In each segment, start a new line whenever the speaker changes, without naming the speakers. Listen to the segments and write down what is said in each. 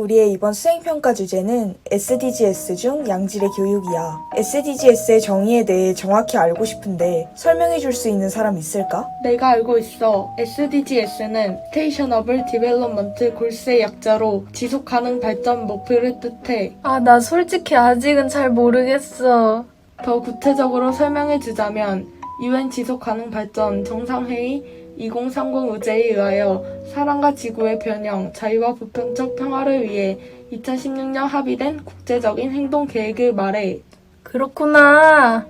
우리의 이번 수행평가 주제는 SDGs 중 양질의 교육이야. SDGs의 정의에 대해 정확히 알고 싶은데 설명해 줄 수 있는 사람 있을까?
내가 알고 있어. SDGs는 Sustainable Development Goals의 약자로 지속가능 발전 목표를 뜻해.
나 솔직히 아직은 잘 모르겠어.
더 구체적으로 설명해주자면 UN 지속가능발전 정상회의 2030 의제에 의하여 사람과 지구의 변형, 자유와 보편적 평화를 위해 2016년 합의된 국제적인 행동 계획을 말해.
그렇구나.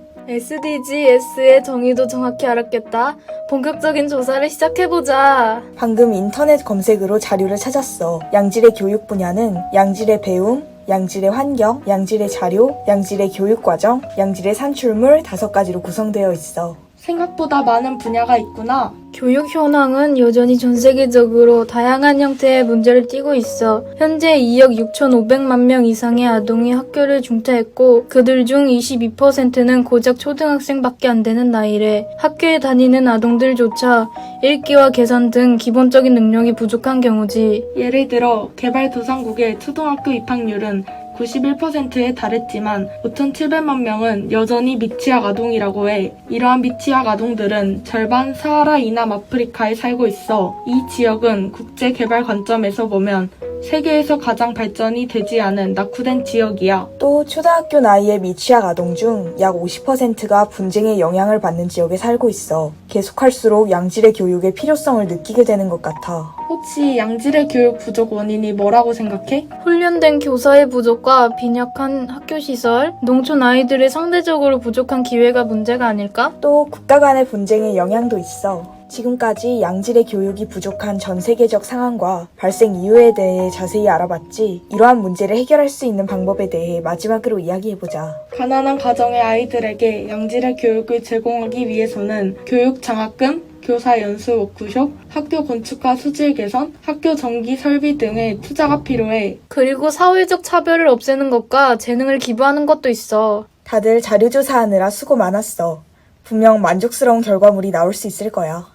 SDGs의 정의도 정확히 알았겠다. 본격적인 조사를 시작해보자.
방금 인터넷 검색으로 자료를 찾았어. 양질의 교육 분야는 양질의 배움, 양질의 환경, 양질의 자료, 양질의 교육과정, 양질의 산출물 5가지로 구성되어 있어.
생각보다 많은 분야가 있구나.
교육 현황은 여전히 전 세계적으로 다양한 형태의 문제를 띠고 있어. 현재 2억 6,500만 명 이상의 아동이 학교를 중퇴했고 그들 중 22%는 고작 초등학생밖에 안 되는 나이래. 학교에 다니는 아동들조차 읽기와 계산 등 기본적인 능력이 부족한 경우지.
예를 들어 개발도상국의 초등학교 입학률은 91%에 달했지만 5,700만 명은 여전히 미취학 아동이라고 해. 이러한 미취학 아동들은 절반 사하라 이남 아프리카에 살고 있어. 이 지역은 국제개발 관점에서 보면 세계에서 가장 발전이 되지 않은 낙후된 지역이야.
또 초등학교 나이의 미취학 아동 중 약 50%가 분쟁의 영향을 받는 지역에 살고 있어. 계속할수록 양질의 교육의 필요성을 느끼게 되는 것 같아.
혹시 양질의 교육 부족 원인이 뭐라고 생각해?
훈련된 교사의 부족과 빈약한 학교시설, 농촌 아이들의 상대적으로 부족한 기회가 문제가 아닐까?
또 국가 간의 분쟁의 영향도 있어. 지금까지 양질의 교육이 부족한 전 세계적 상황과 발생 이유에 대해 자세히 알아봤지. 이러한 문제를 해결할 수 있는 방법에 대해 마지막으로 이야기해보자.
가난한 가정의 아이들에게 양질의 교육을 제공하기 위해서는 교육 장학금, 교사 연수 워크숍, 학교 건축과 수질 개선, 학교 전기 설비 등의 투자가 필요해.
그리고 사회적 차별을 없애는 것과 재능을 기부하는 것도 있어.
다들 자료조사하느라 수고 많았어. 분명 만족스러운 결과물이 나올 수 있을 거야.